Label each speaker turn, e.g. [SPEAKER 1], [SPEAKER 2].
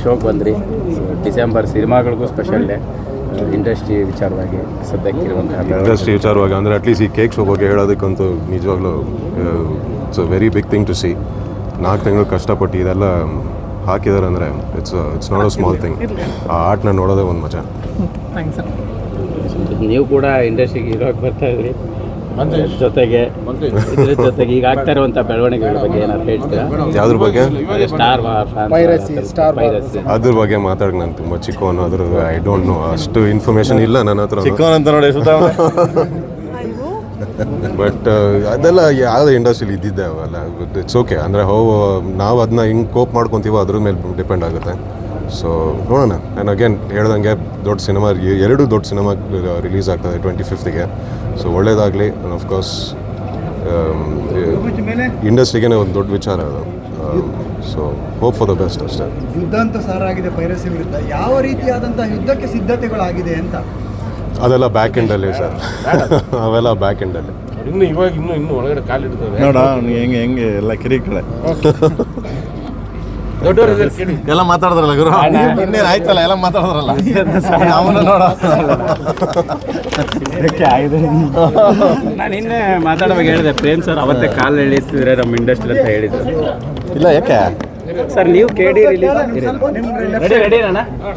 [SPEAKER 1] ಶೋಗೆ ಬಂದ್ರಿ. ಡಿಸೆಂಬರ್ ಸಿನಿಮಾಗಳಿಗೂ special day. Industry ವಿಚಾರವಾಗಿ ಸದ್ಯಕ್ಕಿರುವಂತಹ
[SPEAKER 2] ಇಂಡಸ್ಟ್ರಿ ವಿಚಾರವಾಗಿ ಅಂದರೆ ಅಟ್ಲೀಸ್ಟ್ ಈ ಕೇಕ್ ಶೋ ಬಗ್ಗೆ ಹೇಳೋದಕ್ಕಂತೂ ನಿಜವಾಗ್ಲೂ it's a very big thing to see. 4 ತಿಂಗಳು ಕಷ್ಟಪಟ್ಟು ಇದೆಲ್ಲ ಹಾಕಿದ್ದಾರೆ ಅಂದರೆ it's not a small thing. ಆ ಆರ್ಟ್ನ ನೋಡೋದೇ ಒಂದು ಮಜಾ.
[SPEAKER 1] ನೀವು ಕೂಡ ಇಂಡಸ್ಟ್ರಿಗೆ ಇರೋಕೆ ಬರ್ತಾ ಇದ್ರಿ, ಜೊತೆಗೆ ಇದ್ರ ಜೊತೆಗೆ ಈಗ ಆಗ್ತಾ ಇರುವಂಥ ಬೆಳವಣಿಗೆಗಳ ಬಗ್ಗೆ ಏನಾದ್ರು ಹೇಳ್ತೀರಾ?
[SPEAKER 2] ಯಾವ್ದ್ರ ಬಗ್ಗೆ?
[SPEAKER 1] ಸ್ಟಾರ್
[SPEAKER 2] ಅದ್ರ ಬಗ್ಗೆ ಮಾತಾಡೋಕೆ ನಾನು ತುಂಬ ಚಿಕ್ಕವನು, ಅದ್ರ ಐ ಡೋಂಟ್ ನೋ, ಅಷ್ಟು ಇನ್ಫಾರ್ಮೇಷನ್ ಇಲ್ಲ ನನ್ನ ಹತ್ರ.
[SPEAKER 3] ಚಿಕ್ಕವನಂತ ನೋಡಿ
[SPEAKER 2] ಬಟ್ ಅದೆಲ್ಲ ಯಾವುದೇ ಇಂಡಸ್ಟ್ರಿಲಿ ಇದ್ದಿದ್ದೆ ಅವೆಲ್ಲ. It's okay. ಅಂದರೆ ನಾವು ಅದನ್ನ ಹಿಂಗೆ ಕೋಪ್ ಮಾಡ್ಕೊತೀವೋ ಅದ್ರ ಮೇಲೆ ಡಿಪೆಂಡ್ ಆಗುತ್ತೆ. ಸೊ ನೋಡೋಣ. ಆ್ಯಂಡ್ ಅಗೇನ್ ಹೇಳ್ದಂಗೆ ದೊಡ್ಡ ಸಿನಿಮಾ, 2 ದೊಡ್ಡ ಸಿನಿಮಾ ರಿಲೀಸ್ ಆಗ್ತದೆ 25th. ಸೊ ಒಳ್ಳೇದಾಗಲಿ. ಅಫ್ಕೋರ್ಸ್ ಇಂಡಸ್ಟ್ರಿಗೇ ಒಂದು ದೊಡ್ಡ ವಿಚಾರ ಅದು. So hope for the best ಅಷ್ಟೇ.
[SPEAKER 4] ಯುದ್ಧ ಅಂತ ಸಾರಾಗಿದೆ ಪೈರಸಿ ವಿರುದ್ಧ. ಯಾವ ರೀತಿಯಾದಂತಹ ಯುದ್ಧಕ್ಕೆ ಸಿದ್ಧತೆಗಳಾಗಿದೆ ಅಂತ?
[SPEAKER 2] ಅದೆಲ್ಲ ಬ್ಯಾಕ್ ಎಂಡಲ್ಲಿ ಸರ್. ಅವೆಲ್ಲ ಬ್ಯಾಕ್ ಎಂಡಲ್ಲಿ.
[SPEAKER 3] ಇನ್ನು ಒಳಗಡೆ ಕಾಲಿಡ್ತದೆ ನೋಡ. ಹೆಂಗೆ ಎಲ್ಲ ಕಿರಿಕಳೆ ಎಲ್ಲ ಮಾತಾಡಿದ್ರಲ್ಲ ಗುರು. ಇನ್ನೇನು ಆಯ್ತಲ್ಲ, ಎಲ್ಲ ಮಾತಾಡಿದ್ರಲ್ಲ. ಅವನು ನೋಡ
[SPEAKER 1] ನಾನು ಇನ್ನೇ ಮಾತಾಡುವಾಗ ಹೇಳಿದೆ, ಪ್ರೇಮ್ ಸರ್ ಅವತ್ತೇ ಕಾಲು ಎಳಿಸ್ತಿದ್ರೆ ನಮ್ಮ ಇಂಡಸ್ಟ್ರಿ ಅಂತ ಹೇಳಿದ್ರು.
[SPEAKER 3] ಇಲ್ಲ, ಯಾಕೆ
[SPEAKER 1] ಸರ್ ನೀವು KD ರಿಲೀಸ್ ರೆಡಿ ಅಣ್ಣ?